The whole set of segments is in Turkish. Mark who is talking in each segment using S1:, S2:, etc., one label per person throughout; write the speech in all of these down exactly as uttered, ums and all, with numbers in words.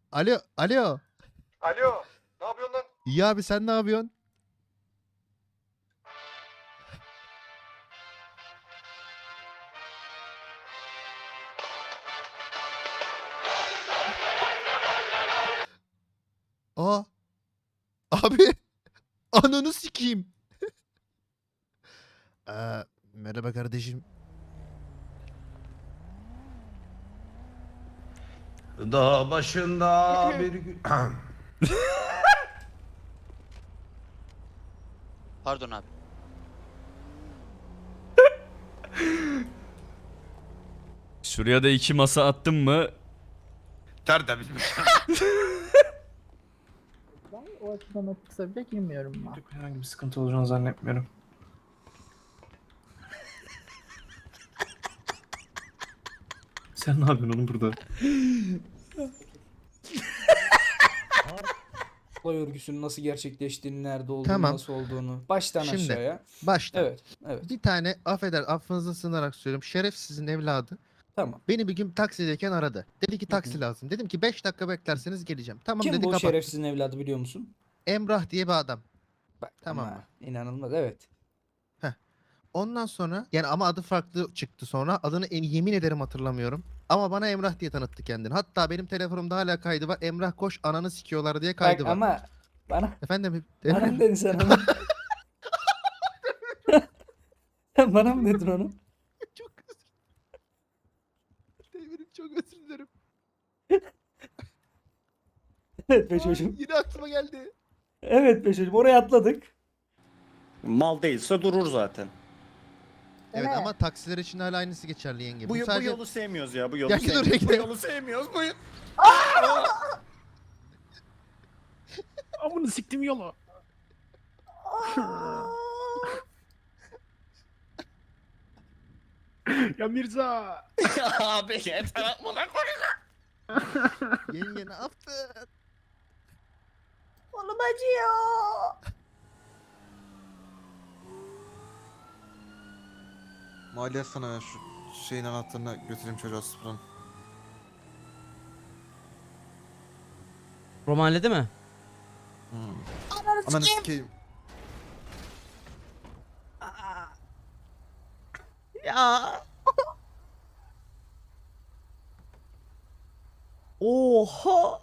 S1: Alo, alo.
S2: Alo, ne yapıyorsun lan?
S1: İyi abi, sen ne yapıyorsun? Aa. Abi. Ananı sikeyim. Ee, merhaba kardeşim.
S3: Dağ başında bir gün...
S4: Pardon abi.
S5: Şuraya da iki masa attım mı?
S3: Tertemiz.
S6: Ben o açıdan o kısa bile girmiyorum ben.
S2: Herhangi bir sıkıntı olacağını zannetmiyorum. Sen ne yapıyorsun oğlum burada?
S7: Olay örgüsünün nasıl gerçekleştiğini, nerede olduğunu,
S1: Tamam.
S7: nasıl olduğunu. Baştan
S1: Şimdi.
S7: aşağıya.
S1: Başta.
S7: Evet, evet.
S1: Bir tane affeder, affınıza sığınarak söylüyorum. Şerefsizin evladı.
S7: Tamam.
S1: Beni bir gün taksideyken aradı. Dedi ki taksi
S7: Hı hı.
S1: lazım. Dedim ki beş dakika beklerseniz geleceğim. Tamam
S7: Kim
S1: dedi,
S7: bu
S1: kapat.
S7: şerefsizin evladı biliyor musun?
S1: Emrah diye bir adam.
S7: Bak
S1: Tamam
S7: ama
S1: mı?
S7: inanılmaz, evet.
S1: Ondan sonra yani ama adı farklı çıktı sonra. Adını en, yemin ederim hatırlamıyorum. Ama bana Emrah diye tanıttı kendini. Hatta benim telefonumda hala kaydı var. Emrah koş ananı sikiyorlar diye kaydı
S7: Bak
S1: var.
S7: ama bana
S1: Efendim?
S7: bana mı dedin sen onu? Sen bana mı dedin onu?
S1: Çok özür dilerim. Çok özür dilerim.
S7: Evet be
S1: Ay,
S7: çocuğum.
S1: yine aklıma geldi.
S7: Evet be çocuğum, oraya atladık.
S8: Mal değilse durur zaten.
S1: Evet
S6: Evet.
S1: ama taksiler için hala aynısı geçerli yenge.
S8: Bu,
S1: Bu,
S8: bu
S1: sadece...
S8: yolu sevmiyoruz ya. Bu yolu
S1: Ya dur,
S8: sevmiyoruz. Bu
S1: bekle.
S8: yolu sevmiyoruz. Bu yolu...
S2: Amını siktim yola. Ya Mirza.
S8: Abi yeter atmadan
S1: Yenge ne yaptın?
S6: Kolum acıyor.
S9: Maliye sana ya şu şeyin anahtarını götüreyim çocuğa sıfırın.
S10: Romanede mi?
S9: Hmm. Ananı sikeyim.
S10: Ya. Oha.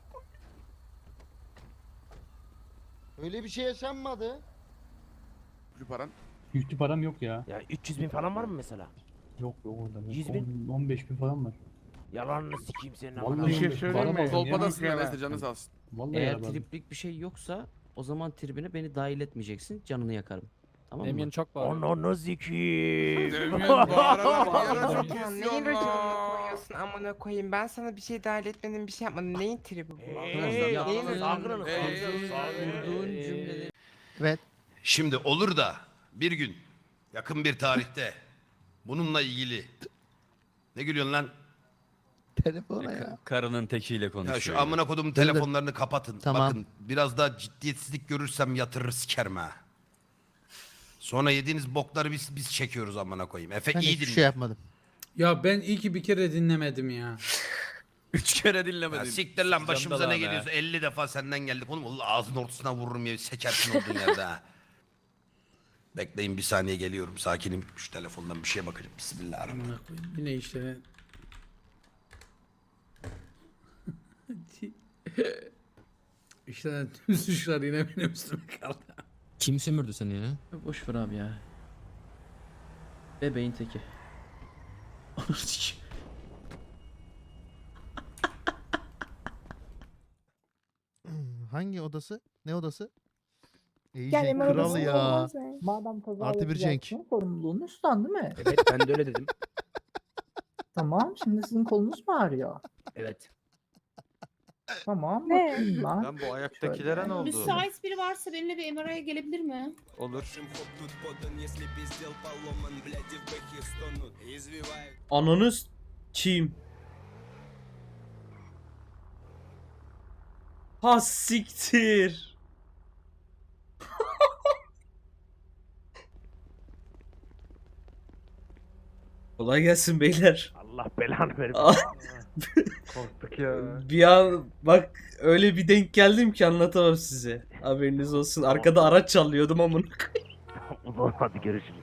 S9: Öyle bir şey yaşanmadı.
S2: Paran?
S11: Yüklü param yok ya.
S10: Ya üç yüz bin falan var mı mesela?
S11: Yok yok orada.
S10: yüz bin?
S11: on beş bin falan var.
S10: Yalanını sikeyim senin
S11: Vallahi
S10: amına.
S11: bir şey söyleyeyim mi?
S2: Kolpadasın neredeyse canı sağ olsun.
S11: Vallahi
S10: Eğer
S11: ya ben-
S10: triplik bir şey yoksa o zaman tribine beni dahil etmeyeceksin. Canını yakarım. Tamam mı?
S7: Emin çok var.
S10: Ananı sikeyim.
S2: Demin bağırarak bağırarak çok
S12: Neyin
S2: istiyorsun
S12: raconunu
S2: lan.
S12: koyuyorsun amına koyayım? Ben sana bir şey dahil etmedim, bir şey yapmadım. Neyin tribi bu?
S10: Hey, yaptığın,
S12: Neyin
S10: kurduğun
S2: Hey,
S10: kurduğun cümleleri.
S1: Evet.
S3: Şimdi olur da bir gün yakın bir tarihte bununla ilgili ne gülüyorsun lan?
S1: Telefona ya.
S5: Karının tekiyle
S3: Ya
S5: konuşuyor.
S3: şu amına kodumun telefonlarını kapatın.
S1: Tamam.
S3: Bakın biraz daha ciddiyetsizlik görürsem yatırır sikerim ha. Sonra yediğiniz bokları biz biz çekiyoruz amına koyayım. Efe
S1: Ben
S3: iyi
S1: hiçbir
S3: dinle.
S1: şey yapmadım.
S7: Ya ben iyi ki bir kere dinlemedim ya.
S5: Üç kere
S3: Ya
S5: dinlemedin.
S3: siktir lan başımıza
S5: Candalan
S3: ne
S5: ha.
S3: geliyorsa elli defa senden geldik oğlum. Allah ağzının ortasına vururum ya sekersin olduğun yerde ha. Bekleyin bir saniye geliyorum sakinim. Şu telefondan bir şeye bakacağım. Bismillahirrahmanirrahim.
S7: Amına koyayım. Yine işte. İşte tüm suçlar yine benim üstüme kaldı.
S10: Kim sömürdü seni ya?
S7: Boş ver abi ya. Bebeğin teki. Anasını sikeyim.
S1: Hangi odası? Ne odası? İyice
S6: Gel Emre
S1: kral
S6: odasına
S1: ya.
S6: olmaz mı? Madem kaza
S1: Artı bir Cenk.
S6: yapacaksın, sorumluluğunu üstlen değil mi?
S10: Evet ben de öyle dedim.
S6: Tamam, şimdi sizin kolunuz mu ağrıyor?
S10: Evet.
S6: Tamam,
S12: Ne?
S6: bakayım ben.
S9: Lan bu ayaktakilere ne oldu?
S12: Müsait biri varsa benimle bir M R I'ye gelebilir mi?
S9: Olur.
S10: Ananız kim? Ha siktir. Kolay gelsin beyler.
S8: Allah belanı verir.
S11: Korktuk ya.
S8: Bir an bak öyle bir denk geldim ki anlatamam size. Haberiniz olsun. Arkada araç çalıyordum ama. Hadi görüşürüz.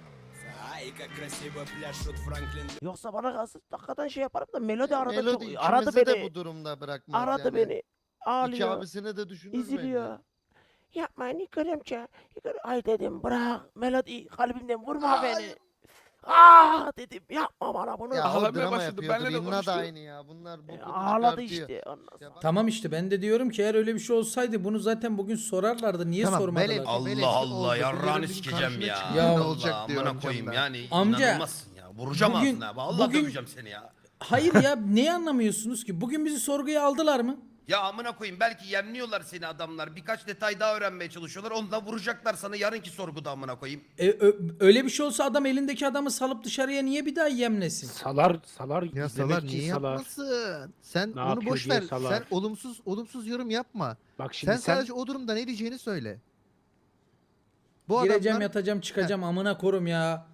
S10: Yoksa bana kalsın hakikaten şey yaparım da Melodi arada
S1: Melodi
S10: çok
S1: ikimizi
S10: aradı
S1: de
S10: beni.
S1: bu durumda bırakmaz
S10: Aradı
S1: yani.
S10: beni.
S1: İki
S10: Ağlıyor.
S1: abisini de düşünür
S10: İziliyor.
S1: bence.
S10: Yapmayın İkremçe. Ay dedim bırak Melodi kalbimden vurma beni. Ah dedim yapma bana bunu.
S1: Ya o
S2: Ağlamaya
S1: drama
S2: başladı,
S1: yapıyordu.
S2: benle de
S1: Rinna
S2: konuştu.
S1: da aynı ya. Bunlar bu
S10: E,
S1: bunu
S10: ağladı
S1: çıkartıyor.
S10: işte. Ondan sonra.
S1: Ya bak-
S7: Tamam işte ben de diyorum ki eğer öyle bir şey olsaydı bunu zaten bugün sorarlardı. Niye
S1: Tamam,
S7: sormadılar?
S1: Melek-
S3: Allah
S1: Melek
S3: Allah
S1: oldu.
S3: yarrağını
S1: Yarın bir
S3: sikeceğim
S1: karşına
S3: ya.
S1: çıkıyor,
S7: ne
S3: Allah
S1: olacak diyorum
S3: amına koyayım
S1: camdan.
S3: yani.
S7: Amca,
S3: inanılmazsın ya. Vuracağım
S7: bugün-
S3: ağzına. Allah
S7: bugün-
S3: döveceğim seni ya.
S7: Hayır ya neyi anlamıyorsunuz ki? Bugün bizi sorguya aldılar mı?
S3: Ya amına koyayım belki yemliyorlar seni adamlar. Birkaç detay daha öğrenmeye çalışıyorlar. Onu da vuracaklar sana yarınki sorguda amına koyayım.
S7: E, ö- öyle bir şey olsa adam elindeki adamı salıp dışarıya niye bir daha yemlesin?
S8: Salar salar
S1: Ya Salar niye yapmasın? Sen
S8: Ne
S1: onu
S8: yapıyor
S1: boş
S8: diye
S1: ver.
S8: Salar.
S1: Sen olumsuz olumsuz yorum yapma.
S8: Bak
S1: Sen, sadece o durumda ne diyeceğini söyle. Bu
S7: Gireceğim
S1: adamlar
S7: yatacağım çıkacağım amına korum ya.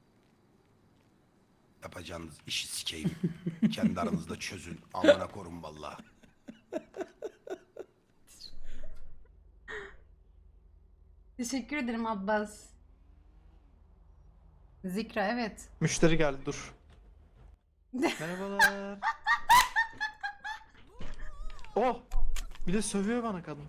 S3: Yapacağınız işi sikeyim. Kendi aranızda çözün. Amına korun valla.
S12: Teşekkür ederim Abbas. Zikra evet.
S9: Müşteri geldi dur. Merhabalar. Oh! Bir de sövüyor bana kadın.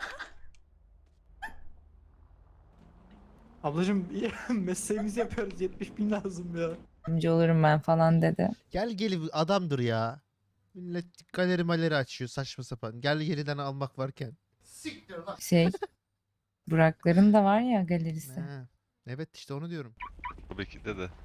S9: Ablacım mesleğimizi yapıyoruz. yetmiş bin lazım ya.
S6: Yardımcı olurum ben falan dedi.
S1: gel geli adamdır ya. Millet galeri maleri açıyor saçma sapan. Gel geriden almak varken. Siktir lan.
S6: Şey Burakların da var ya galerisi.
S1: He. Evet işte onu diyorum.
S11: Buradakinde de.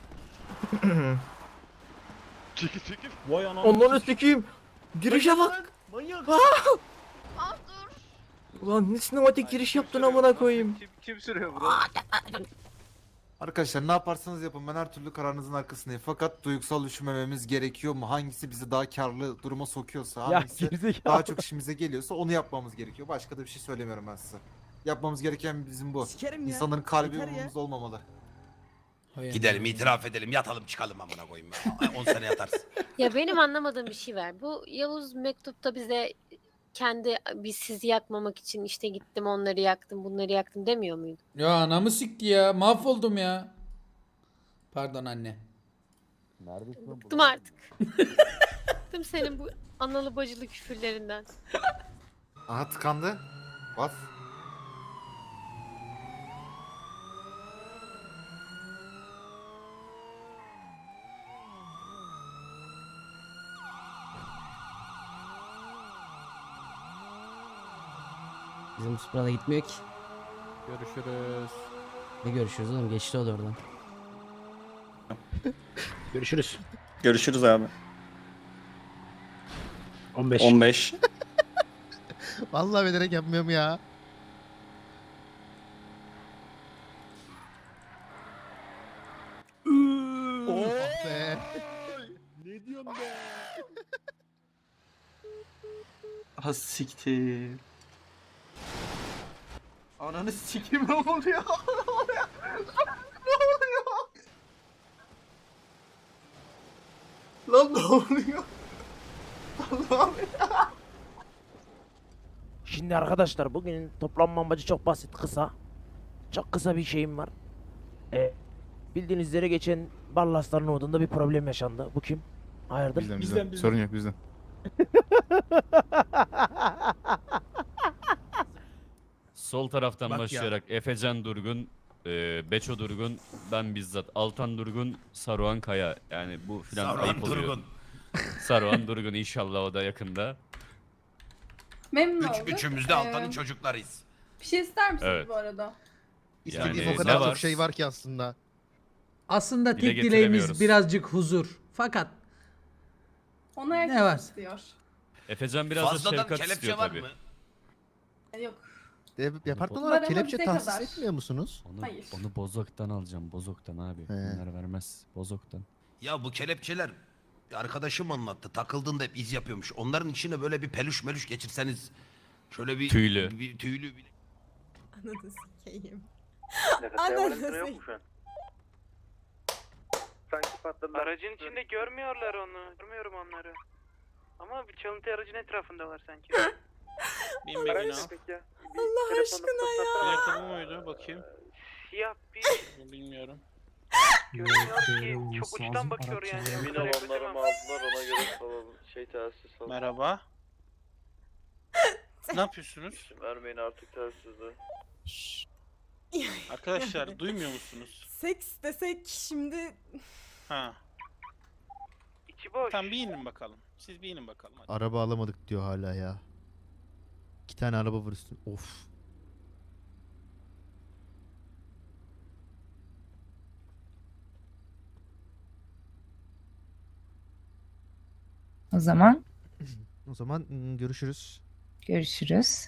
S11: çekil çekil.
S8: Vay anam.
S10: Onları sikeyim. Girişe bak.
S8: Manyak.
S12: Ah dur.
S10: Ulan ne sinematik giriş yaptın amına koyayım.
S11: Kim, kim sürüyor bunu?
S9: Arkadaşlar ne yaparsanız yapın ben her türlü kararınızın arkasındayım. Fakat duygusal düşünmememiz gerekiyor mu? Hangisi bizi daha karlı duruma sokuyorsa, hangisi daha çok işimize geliyorsa onu yapmamız gerekiyor. Başka da bir şey söylemiyorum ben size. Yapmamız gereken bizim bu.
S10: Sikerim ya.
S9: İnsanların kalbi
S10: Yeter ya.
S9: umurumuzda olmamalı.
S7: Hay
S3: Gidelim
S7: Allah.
S3: itiraf edelim yatalım çıkalım amına koyayım. on sene yatarsın.
S12: Ya benim anlamadığım bir şey var. Bu Yavuz mektupta bize kendi biz sizi yakmamak için işte gittim onları yaktım bunları yaktım demiyor muydu?
S7: Ya anamı sikti ya. Mahvoldum ya. Pardon anne.
S12: Bıktım artık. Bıktım senin bu analı bacılı küfürlerinden.
S9: Aha tıkandı. Bas.
S10: Bizim Supra'da gitmiyor ki.
S8: Görüşürüz.
S10: Ne görüşürüz oğlum geçti o da oradan.
S8: Görüşürüz.
S4: Görüşürüz abi.
S8: on beş.
S4: on beş.
S1: Vallahi bilerek yapmıyorum ya. Oh be.
S8: Ne diyorsun be?
S9: Ha siktir. Ananı sikeyim ne oluyor? Ne oluyor? Ne oluyor? Lan ne oluyor? Allah'ım ya.
S10: Şimdi arkadaşlar bugün toplanma amacı çok basit kısa. Çok kısa bir şeyim var. E, bildiğiniz üzere geçen Ballasların odunda bir problem yaşandı. Bu kim? Hayırdır?
S2: Bizden
S8: bizden.
S2: bizden. Sorun yok bizden.
S5: Sol taraftan
S1: Bak ya.
S5: başlayarak Efecan Durgun, e, Beço Durgun, ben bizzat Altan Durgun, Saruhan Kaya. Yani bu filan
S3: Saruhan
S5: ayıp oluyor.
S3: Durgun.
S5: Saruhan Durgun inşallah o da yakında.
S12: Memnun
S3: Üç, üçümüz de Altan'ın çocuklarıyız.
S12: Bir şey ister misiniz
S5: Evet.
S12: bu arada?
S1: İstediğim
S5: Yani
S1: o kadar
S5: ne
S1: çok
S5: var?
S1: şey var ki aslında.
S7: Aslında
S5: Dile
S7: tek dileğimiz
S5: getiremiyoruz.
S7: birazcık huzur. Fakat
S12: Ona
S7: Ne var?
S12: istiyor.
S5: Efecan biraz da
S3: Fazladan
S5: şefkat
S3: kelepçe
S5: istiyor
S3: var
S5: tabii.
S3: mı?
S12: Yok.
S1: De, departman
S12: Var
S1: olarak
S12: ama
S1: kelepçe
S12: bize
S1: tahsis
S12: kadar.
S1: etmiyor musunuz?
S5: Onu,
S12: Hayır.
S5: onu Bozok'tan alacağım. Bozok'tan abi. Bunlar vermez. Bozok'tan.
S3: Ya bu kelepçeler bir arkadaşım anlattı. Takıldığında hep iz yapıyormuş. Onların içine böyle bir peluş melüş geçirseniz şöyle bir
S5: Tüylü.
S3: bir tüylü bir
S12: Ananı sikeyim.
S8: Ananı sikeyim.
S11: Sanki patladılar.
S10: Aracın içinde görmüyorlar onu. Görmüyorum onları. Ama bir çalıntı aracın etrafındalar sanki.
S11: Araç ne peki ya?
S10: Allah aşkına ya.
S11: Plaka bu muydu? Bakayım.
S10: Siyah bir
S11: Bilmiyorum.
S10: görünüyor ki çok uçtan bakıyor yani.
S11: Emin ol onları aldılar ona göre salalım. Şey telsiz salalım. Merhaba. Ne yapıyorsunuz? Vermeyin artık telsizi. Arkadaşlar duymuyor musunuz?
S4: Seks desek şimdi
S11: Ha.
S10: İçi boş.
S11: Tamam bir inin bakalım. Siz bir inin bakalım hadi.
S1: Araba alamadık diyor hala ya. İki tane araba var üstünde. Of.
S6: O zaman
S1: O zaman ım, görüşürüz.
S6: görüşürüz.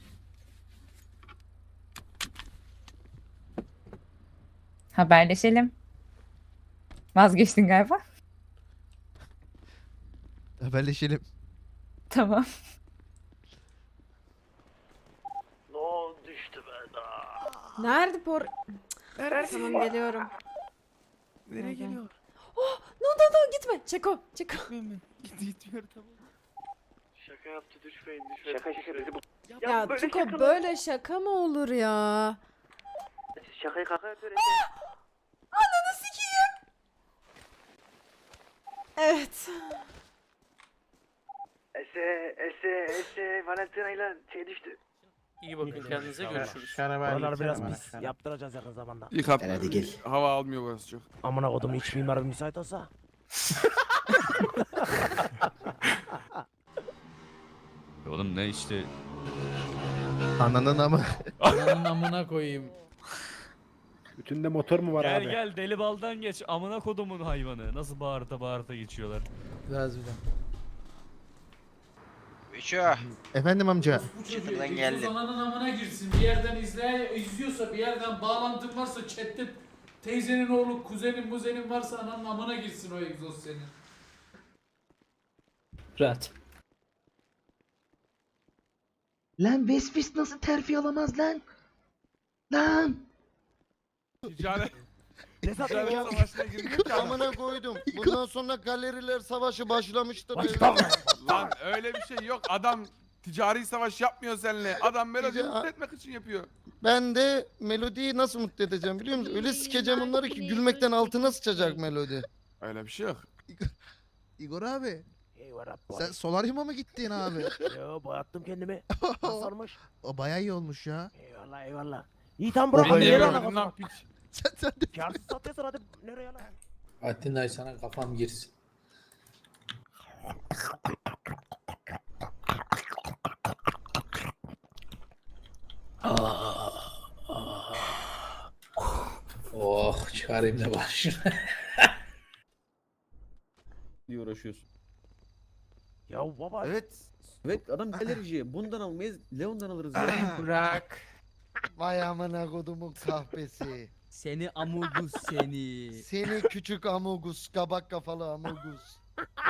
S6: Haberleşelim. Vazgeçtin galiba.
S1: Haberleşelim.
S6: Tamam.
S10: No düştü be daha.
S4: nerede por... Tamam geliyorum.
S2: Nereye
S4: Gel, gel.
S2: geliyor?
S4: Oh, no no no gitme. Çeko, Çeko.
S2: Git gitmiyor tamam.
S11: Şaka yaptı düşmeyin düşmeyin.
S10: Şaka şaka bizi bu.
S4: Ya
S10: böyle
S4: Çeko
S10: şaka mı?
S4: böyle şaka mı olur ya?
S10: Şakayı kaka yapıyor.
S4: Ananı sikeyim. Evet.
S10: Ese ese ese Valentina ile şey düştü.
S11: İyi bakın kendinize görüşürüz.
S10: Oralar biraz pis. Yaptıracağız yakın zamanda.
S2: Yıkat. Hadi gel. Hava almıyor burası çok.
S10: Amına kodum iç mimar müsait olsa.
S5: Oğlum ne işte
S1: Ananın ama.
S7: Ananın amına koyayım.
S11: Bütünde motor mu var
S5: gel gel deli baldan geç amına kodumun hayvanı. Nasıl bağırta bağırta geçiyorlar.
S7: Biraz bile.
S1: Efendim amca.
S7: Çıtırdan geldi. Ananın amına girsin. Bir yerden izle, izliyorsa bir yerden bağlantın varsa chatte teyzenin oğlu, kuzenin, muzenin varsa ananın amına girsin o egzoz senin. Rahat.
S1: Lan Vespis nasıl terfi alamaz lan? Lan.
S2: Ticaret.
S10: Ne satıyor
S2: Ticaret
S10: ya?
S2: savaşına girmiyor ki adam.
S1: Amına koydum. Bundan sonra galeriler savaşı başlamıştır.
S2: Lan öyle bir şey yok. Adam ticari savaş yapmıyor seninle. Adam melodiyi
S1: Tica-
S2: mutlu etmek için yapıyor.
S1: Ben de Melodi'yi nasıl mutlu edeceğim biliyor musun? Öyle sikeceğim onları ki gülmekten altına sıçacak Melodi.
S2: Öyle bir şey yok.
S1: Igor abi.
S10: Eyvallah.
S1: Sen solaryuma mı gittin abi?
S10: Yo boyattım kendimi. Nasılmış?
S1: O bayağı iyi olmuş ya.
S10: Eyvallah eyvallah. İyi tam bırak.
S1: Oha,
S10: Nereye
S1: eyvallah.
S10: lan
S2: Ne
S10: kafam?
S2: yapayım?
S1: Sen sen de.
S10: Karsız satıyorsun hadi nereye lan?
S7: Atinay sana kafam girsin. Oh çıkarayım da başına.
S5: Diye uğraşıyorsun.
S10: Ya baba.
S9: Evet.
S5: Evet adam galericiye bundan almayız Leon'dan alırız
S7: Bırak.
S1: Vay amına kodumun kahpesi.
S7: Seni amugus seni.
S1: Seni küçük amogus, kabak kafalı amogus.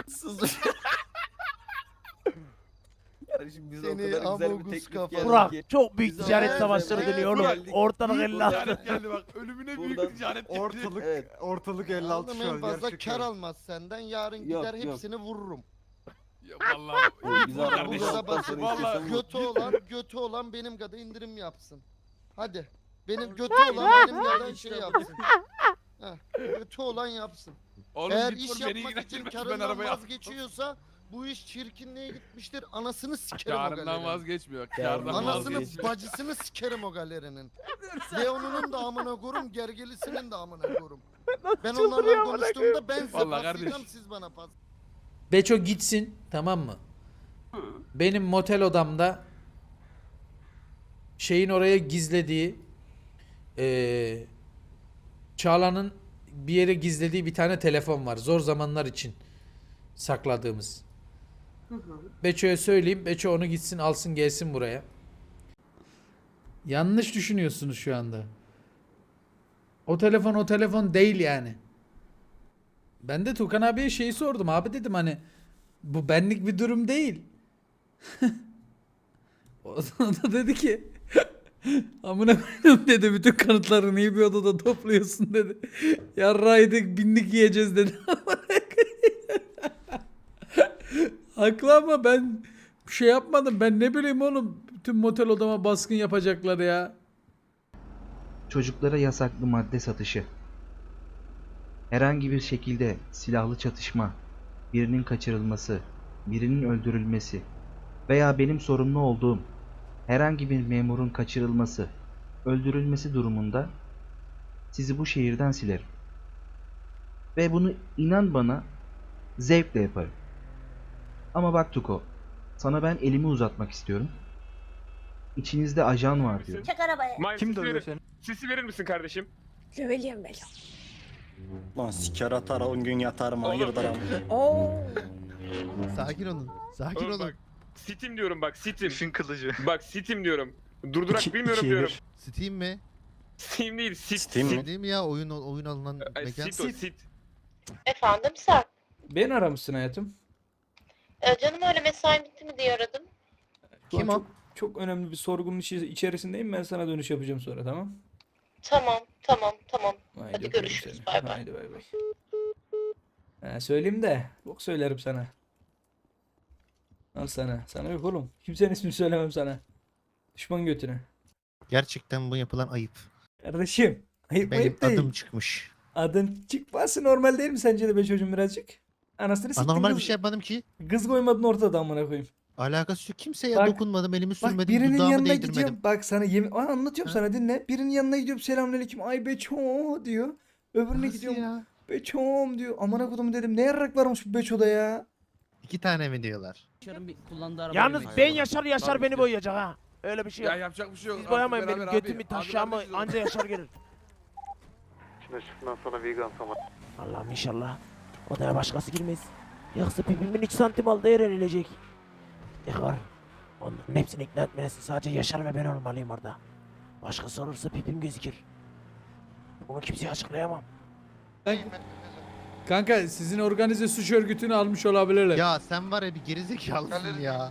S5: Kardeşim biz
S1: Seni amogus kafalı.
S10: Burak çok büyük
S1: Güzel.
S10: ticaret
S1: Evet,
S10: savaşları
S1: evet,
S10: dönüyor oğlum.
S2: Burak.
S10: Ortalık
S2: Büyük
S10: elli altı.
S2: ticaret geldi bak. Ölümüne büyük
S5: Buradan-
S2: ticaret geldi.
S9: Ortalık
S5: Evet.
S9: ortalık elli altı
S1: Aldım
S9: şu
S1: en
S9: an
S1: fazla
S9: gerçekten.
S1: kar almaz senden. Yarın
S5: Yok,
S1: gider
S5: yok.
S1: hepsini vururum.
S2: Ya vallahi.
S5: Biz
S2: Bu
S5: aramızda
S2: kardeşim.
S1: Burada bak-
S5: sonra
S2: Vallahi
S5: istiyorsan vur.
S1: Götü olan, götü olan benim kadar indirim yapsın. Hadi. Benim götü olan benim kadar şey yapsın. Heh, götü olan yapsın.
S2: Oğlum
S1: Eğer
S2: git
S1: iş
S2: vur, beni
S1: yapmak için
S2: ilgilendirmez. Ben
S1: karından
S2: arabaya
S1: vazgeçiyorsa bu iş çirkinliğe gitmiştir. Anasını sikerim o
S2: Karından
S1: galerinin.
S2: vazgeçmiyor. Kardan
S1: Anasını
S2: vazgeçmiyor.
S1: bacısını sikerim o galerinin. Leon'unun da amına korum, gergelisinin de amına korum. Ben onlarla konuştuğumda ben size
S2: Vallahi
S1: paslayacağım,
S2: kardeş.
S1: siz bana pas.
S7: Beço gitsin tamam mı? Benim motel odamda şeyin oraya gizlediği eee Çağla'nın bir yere gizlediği bir tane telefon var. Zor zamanlar için sakladığımız. Beço'ya söyleyeyim. Beço onu gitsin alsın gelsin buraya. Yanlış düşünüyorsunuz şu anda. O telefon o telefon değil yani. Ben de Tukan abiye şeyi sordum. Abi dedim hani bu benlik bir durum değil. O da dedi ki Amına koydum dedi. Bütün kanıtları niye bir odada topluyorsun dedi. Yarraydık binlik yiyeceğiz dedi. Haklı ama ben bir şey yapmadım. Ben ne bileyim oğlum. Bütün motel odama baskın yapacaklar ya.
S13: Çocuklara yasaklı madde satışı. Herhangi bir şekilde silahlı çatışma, birinin kaçırılması, birinin öldürülmesi veya benim sorumlu olduğum herhangi bir memurun kaçırılması, öldürülmesi durumunda sizi bu şehirden silerim. Ve bunu inan bana zevkle yaparım. Ama bak Tuko, sana ben elimi uzatmak istiyorum. İçinizde ajan var diyor.
S12: Çek arabaya.
S11: Kim dövüyor seni? Sisi verir misin kardeşim?
S12: Söyleyeyim ben.
S11: Lan siker atar on gün yatarım hayırdır ama.
S4: Oo.
S1: Sakin olun. Sakin
S11: Oğlum
S1: olun.
S11: bak, Sitim diyorum bak sitim.
S9: İşin kılıcı.
S11: Bak sitim diyorum. Durdurak bilmiyorum diyorum.
S1: Steam mi?
S11: Steam değil sit.
S9: Steam mi?
S11: sit.
S1: Değil mi ya oyun oyun alınan
S11: Ay,
S1: mekan?
S11: sit o sit.
S12: Efendim Sarp.
S7: Beni aramışsın hayatım.
S12: Ee, canım öyle mesain bitti mi diye aradım.
S1: Kim o?
S7: Çok, çok önemli bir sorgunun içi- içerisindeyim. Ben sana dönüş yapacağım sonra, tamam?
S12: Tamam tamam tamam.
S7: Haydi
S12: Hadi
S7: öpüyorum
S12: görüşürüz,
S7: seni.
S12: bay bay.
S7: Haydi bay bay. Ha, söyleyeyim de. Yok söylerim sana. Al sana. Sana yok oğlum. Kimsenin ismini söylemem sana. Düşman götüne.
S1: Gerçekten bu yapılan ayıp.
S7: Kardeşim. Ayıp
S1: Benim
S7: ayıp değil.
S1: adım çıkmış.
S7: Adın çıkması normal değil mi sence de be çocuğum birazcık? Anasını siktin
S1: Anormal bir
S7: kız.
S1: şey yapmadım ki.
S7: Kız koymadın ortada amına koyayım.
S1: Alakası yok. Kimseye
S7: Bak-
S1: dokunmadım, elimi
S7: Bak
S1: sürmedim,
S7: birinin
S1: dudağımı
S7: yanına
S1: değdirmedim.
S7: gidiyorum. Bak sana yemin... Aa, anlatıyorum
S1: Ha?
S7: sana dinle. Birinin yanına gidiyorum. Selamünaleyküm. Ay Beço diyor. Öbürüne
S1: Nasıl
S7: gidiyorum.
S1: ya?
S7: Beço'm diyor. Amına kodum dedim. Ne yarrak varmış bu Beço'da ya.
S1: İki tane mi diyorlar?
S10: Yalnız ben Yaşar Yaşar
S2: Tabii
S10: beni
S2: ki.
S10: boyayacak ha. Öyle bir şey
S2: Ya
S10: yok.
S2: yapacak bir şey yok.
S10: Siz
S2: Artık
S10: boyamayın benim
S2: beraber
S10: götümü
S2: abi. Abi
S10: taşağımı
S2: kardeşiz o.
S10: anca Yaşar gelir.
S11: Şimdi şundan sonra vegan sana.
S10: Allah'ım inşallah odaya başkası girmez. Yoksa pipimin üç santim aldı yer erilecek. Yakar. Onların hepsini ikna etmesi sadece Yaşar ve ben olmalıyım orada. Başkası olursa pipim gözükür. Bunu kimseye açıklayamam.
S7: Kanka sizin organize suç örgütünü almış olabilirler.
S1: Ya sen var ya bir gerizekalısın ya.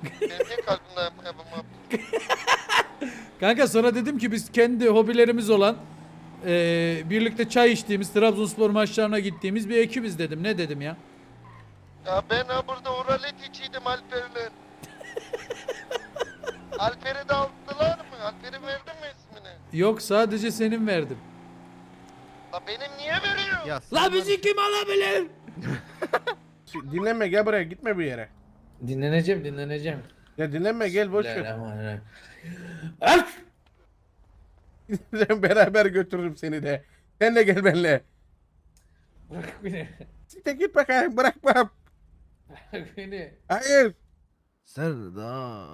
S7: Kanka sonra dedim ki biz kendi hobilerimiz olan eee, birlikte çay içtiğimiz, Trabzonspor maçlarına gittiğimiz bir ekibiz dedim. Ne dedim ya?
S1: Ya ben ha burada oralet içiydim Alper'le. Alper'i de aldılar mı? Alper'i verdin mi ismini?
S7: Yok sadece senin verdim.
S1: La benim niye veriyor? Ya
S7: La bizi kim alabilir?
S11: Dinlenme gel buraya gitme bir yere.
S7: Dinleneceğim dinleneceğim.
S11: Ya dinlenme gel boş ver.
S7: Bismillahirrahmanirrahim.
S11: Ben beraber götürürüm seni de. Sen de gel benimle.
S7: Bırak beni.
S11: Siktir git bakayım bırakmam.
S7: Bırak beni.
S11: Hayır.
S1: Serdar.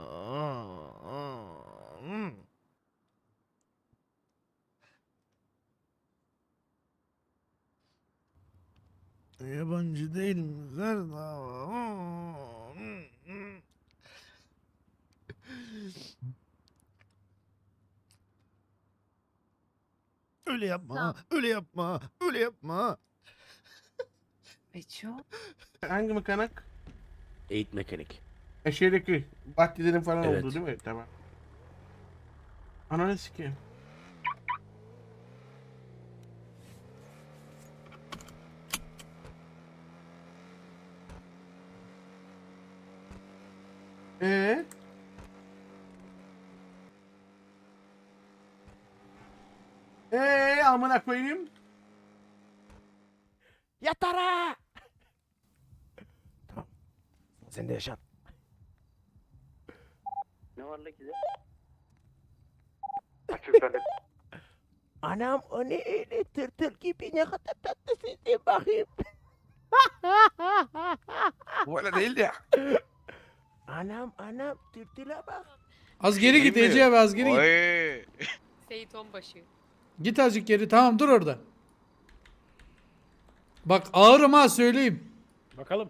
S1: Yabancı değil mi Serdar? Öyle yapma,
S12: Tamam.
S1: öyle yapma, öyle yapma.
S4: Beço.
S11: Hangi mekanik?
S10: Eğit mekanik.
S11: E şeydeki bahçelerin falan
S10: Evet.
S11: oldu değil mi? Tamam. Ananı sikeyim. Ee? Ee amına koyayım.
S10: Yatara! Tamam. Sen de yaşan.
S11: Ne var la ki de?
S10: Anam o ne öyle tırtıl gibi ne kadar tatlısın sen bakayım.
S2: Bu öyle değildi ya.
S10: Anam anam tırtıla bak.
S7: Az geri git Ece abi az geri git.
S11: Oy.
S12: Seyit Onbaşı.
S7: Git azıcık geri. Tamam dur orada. Bak ağırım ha söyleyeyim.
S11: Bakalım.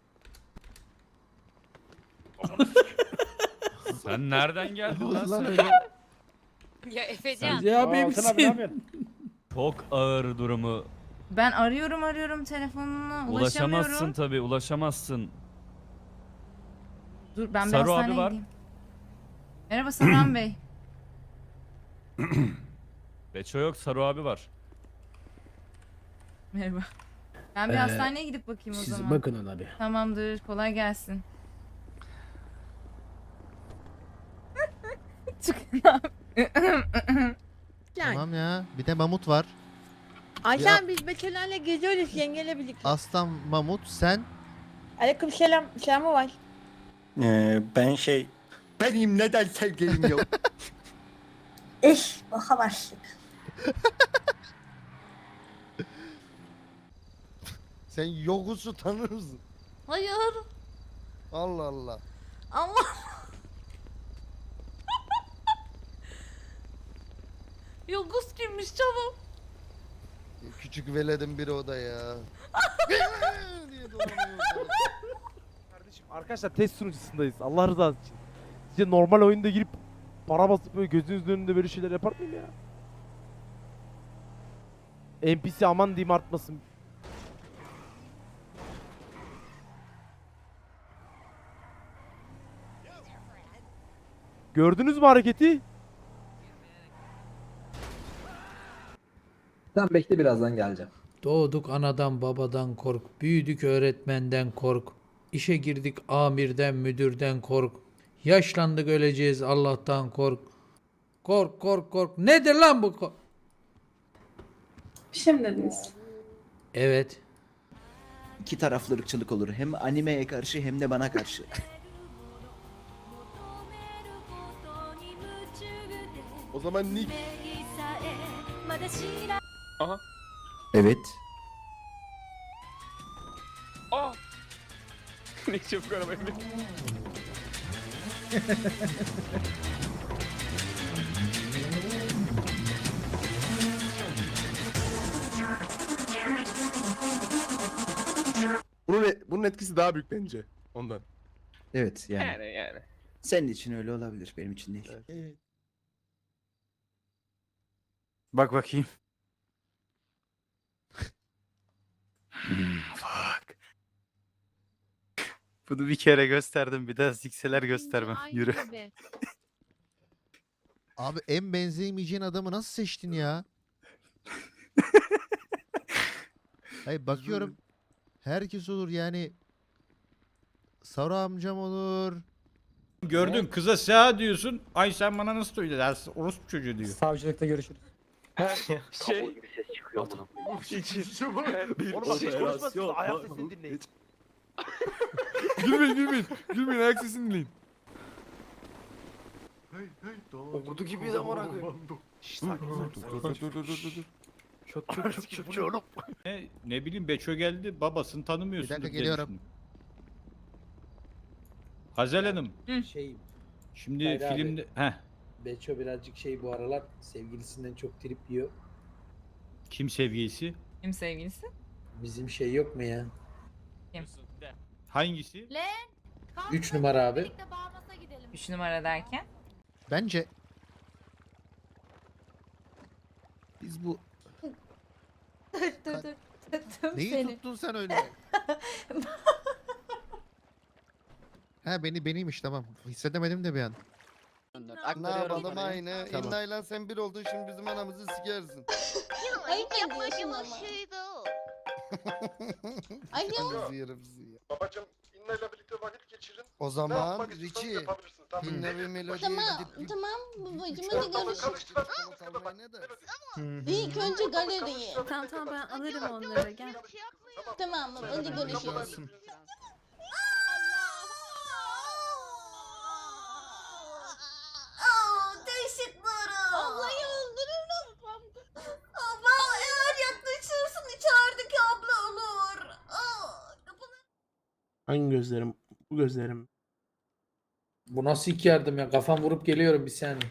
S5: Sen nereden geldin lan sen?
S12: Ya Efecan.
S7: Ece abi misin?
S5: Çok ağır durumu.
S4: Ben arıyorum arıyorum telefonuna ulaşamıyorum.
S5: Ulaşamazsın tabii, ulaşamazsın.
S4: Dur ben bir
S5: Saru abi
S4: hastaneye
S5: var.
S4: gideyim. Merhaba Saran Bey.
S5: Beço yok, Saru abi var.
S4: Merhaba. Ben bir
S10: Ee,
S4: hastaneye gidip bakayım o
S10: Siz
S4: zaman.
S10: bakın ona bir.
S4: Tamamdır. Kolay gelsin. Çıkın abi.
S1: Tamam ya. Bir de mamut var.
S14: Ayşen biz Betüler'le geziyoruz yengeyle birlikte.
S1: Aslan mamut sen.
S14: Aleyküm selam. Selamı var.
S10: Ee, ben şey... Benim neden sevgilim yok?
S14: İş baka başlık.
S1: Sen Yogus'u tanır mısın?
S4: Hayır.
S1: Allah Allah.
S4: Allah. Yogus kimmiş canım?
S1: Küçük veledin biri o da ya. diye dolanıyor.
S10: Kardeşim arkadaşlar test sunucusundayız. Allah rızası için. Sizce normal oyunda girip para basıp böyle gözünüzün önünde böyle şeyler yapar mıyım ya? N P C aman diyeyim artmasın. Gördünüz mü hareketi?
S6: Sen bekle birazdan geleceğim.
S7: Doğduk anadan babadan kork, büyüdük öğretmenden kork, işe girdik amirden müdürden kork, yaşlandık öleceğiz Allah'tan kork. Kork kork kork. Nedir lan bu kork?
S14: Bir şey mi dediniz?
S7: Evet.
S10: İki taraflı ırkçılık olur. Hem animeye karşı hem de bana karşı.
S11: O zaman Nick.
S2: Aha.
S10: Evet.
S2: Aa. Ne çabuk arabayı bin.
S11: Bunun, bunun etkisi daha büyük bence. Ondan.
S10: Evet yani.
S2: Yani yani.
S10: Senin için öyle olabilir. Benim için değil.
S8: Bak bakayım.
S10: Fuck.
S8: Bunu bir kere gösterdim. Bir daha zikseler göstermem.
S12: Aynı
S8: Yürü.
S12: gibi.
S1: Abi en benzeyemeyeceğin adamı nasıl seçtin ya? Hayır bakıyorum. Herkes olur yani. Saru amcam olur.
S10: Gördün kıza sağ diyorsun. Ay sen bana nasıl öyle dersin? Orospu çocuğu diyor.
S6: Savcılıkta görüşürüz.
S2: Şey.
S10: Oğlum bak hiç konuşmasın. Ayak sesini dinleyin.
S2: Gülmeyin gülmeyin. Gülmeyin ayak sesini dinleyin.
S10: Ordu gibi de var abi.
S2: Dur dur dur dur dur.
S10: Çok çok çok çok çok. Ne, ne bileyim Beço geldi babasını tanımıyorsun.
S1: Bir dakika, geliyorum.
S10: Hazel Hanım.
S7: Şey,
S10: Şimdi
S7: Hayır abi.
S10: filmde heh,
S7: Beço birazcık şey bu aralar sevgilisinden çok trip yiyor.
S10: kim sevgilisi?
S4: Kim sevgilisi?
S7: Bizim şey yok mu ya?
S10: Hangisi?
S7: Üç numara abi.
S4: Üç numara derken?
S1: Bence biz bu
S14: dur dur dur. Tuttum
S1: neyi
S14: seni.
S1: tuttun sen öyle? Ha beni beniymiş tamam. Hissedemedim de bir an.
S11: Ne yapalım aynı.
S1: Tamam.
S11: İnnayla sen bir oldun şimdi bizim anamızı sikersin.
S14: Ayıp ediyorsun ama. Ay ya.
S11: Ananızı yerim sizi ya. Babacım İnnayla birlikte vakit geçirin. O zaman Richie. İnna ve Melodi'ye
S14: Tamam
S11: gidip
S14: tamam babacım hadi görüşürüz. İlk önce galeriye.
S12: Tamam tamam ben alırım onları gel.
S14: Tamam mı? Hadi görüşürüz. Değişikleri. Ablayı öldürürüm. Abla eğer yaklaşırsın içerideki abla olur.
S11: Hangi gözlerim? Bu gözlerim.
S7: Bu nasıl ilk yardım ya? Kafam vurup geliyorum bir saniye.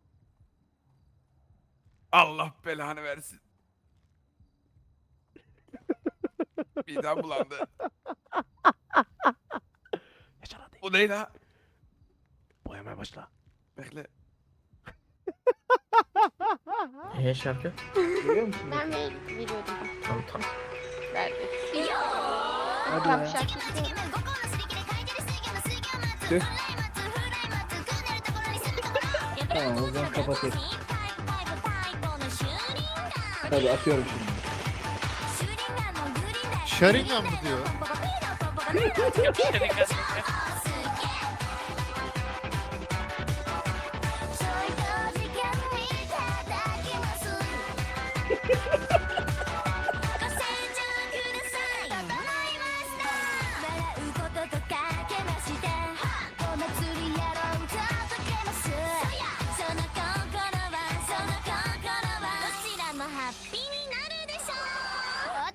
S2: Allah belanı versin. Midem bulandı. Bu ne la?
S10: Boyamaya başla.
S2: Bekle.
S6: Eee şarkı?
S12: Ben ver, veriyordum.
S6: Tamam tamam.
S12: Verdim.
S6: Hadi
S12: Tam
S6: ya.
S12: şarkı istiyorum.
S6: Tamam o zaman kapatayım.
S8: Tabii atıyorum şimdi.
S1: Sharingan mı diyor?